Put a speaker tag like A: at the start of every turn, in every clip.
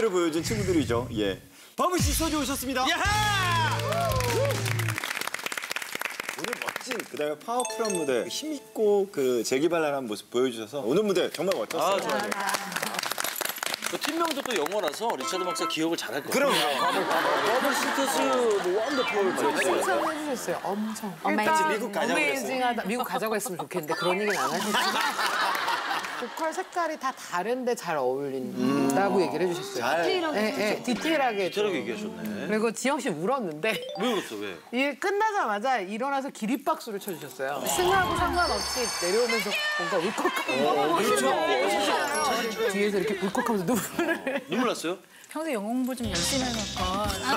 A: 를 보여준 친구들이죠. 예. 버블 시스터즈 오셨습니다.
B: 야하!
A: 오늘 멋진 그다음에 파워풀한 무대, 힘있고 그 재기발랄한 모습 보여주셔서 오늘 무대 정말 멋졌어요.
B: 좋아요. 그 팀명도 또 영어라서 리차드 박사 기억을 잘할 거예요.
A: 그럼
B: 버블 시스터즈 뭐 원더풀
C: 칭찬해주셨어요. 엄청.
A: 일단 미국 가자고
C: 어메이징하다. 미국 가자고 했으면 좋겠는데 그런 얘기는 안 하셨어요. 보컬 색깔이 다 다른데 잘 어울린다고 얘기를 해주셨어요. 네, 디테일하게.
B: 디테일하게 얘기하셨네.
C: 그리고 지영 씨 울었는데
B: 왜 울었어, 왜?
C: 이게 끝나자마자 일어나서 기립박수를 쳐주셨어요. 승하고 상관없이 내려오면서 뭔가 울컥하고 뒤에서 이렇게 울컥하면서 눈물을.
B: 눈물 났어요?
D: 평소에 영어 공부 좀 열심히 해놓을 걸.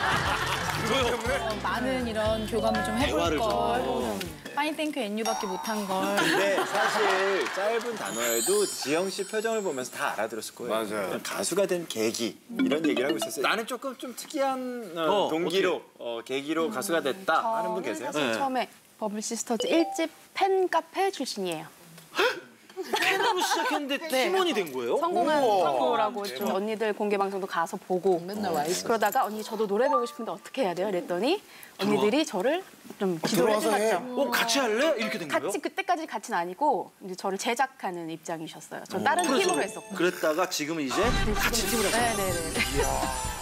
D: 많은 이런 교감을 좀 해볼
B: 대화를
D: 걸. 파인 땡큐 앤유밖에 못한 걸.
A: 근데 사실 짧은 단어에도 지영 씨 표정을 보면서 다 알아들었을 거예요.
E: 맞아요.
A: 가수가 된 계기 이런 얘기를 하고 있었어요. 나는 조금 좀 특이한 동기로 계기로 가수가 됐다 하는 분 계세요?
F: 사실 처음에 버블 시스터즈 1집 팬카페 출신이에요.
B: 팬으로 시작했는데 팀원이 된 거예요?
F: 성공한 프로라고 좀 언니들 공개 방송도 가서 보고
C: 맨날 와 있어.
F: 그러다가 언니 저도 노래 배우고 싶은데 어떻게 해야 돼요? 이랬더니 언니들이 저를 좀 지도를 해주셨죠.
B: 같이 할래? 이렇게 된 거예요?
F: 같이 그때까지 같이는 아니고 이제 저를 제작하는 입장이셨어요. 전 다른 팀으로 했었고.
B: 그랬다가 지금은 이제 같이 팀을 하셨어요.
F: 네네네.